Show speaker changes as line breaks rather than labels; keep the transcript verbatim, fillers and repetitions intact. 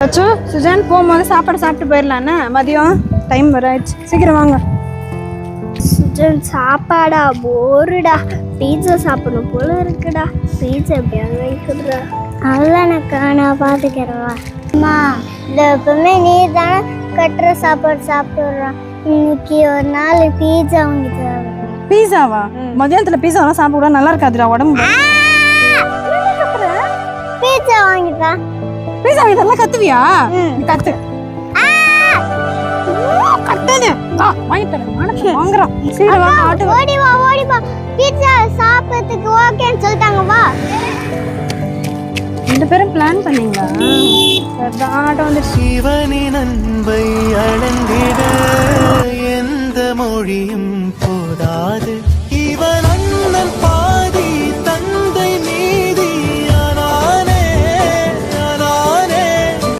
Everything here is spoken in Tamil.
அச்சோ சுஜான் போகும்போது சாப்பாடு சாப்பிட்டு போயிடலான்னு மதியம் டைம் வர ஆயிடுச்சு. சீக்கிரம் வாங்க.
சுஜன் சாப்பாடா போருடா, பீட்சா சாப்பிடணும் போல இருக்குடா. பீட்சா எப்படியாவது வைக்கிறா. அவ்வளோக்கா நான் பார்த்துக்கிறவா. அம்மா இந்த எப்பவுமே நீ தானே கட்டுற சாப்பாடு சாப்பிட்றான். இன்னைக்கு ஒரு நாள் பீட்சா வாங்கி தர.
பீஸாவா? மதியானத்துல பீஸாவெல்லாம் சாப்பிட நல்லா இருக்காதுடா உடம்பு.
பீட்சா வாங்கிட்டா.
பீஸா இதெல்லாம் கத்துவியா? கத்து கத்தாத. வா வாங்கி தரேன். நானே வாங்குறேன். சீக்கிரம் வா ஆட்டோ.
ஓடி வா ஓடி வா. பீட்சா சாப்பிடுறதுக்கு ஓகேன்னு சொல்லிட்டாங்க. வா.
ரெண்டு பேரும் பிளான் பண்ணீங்களா? சரிதான் ஆட்டோ வந்து.
சிவனின் அன்பை அளந்திட எந்த மொழியும் போதாது.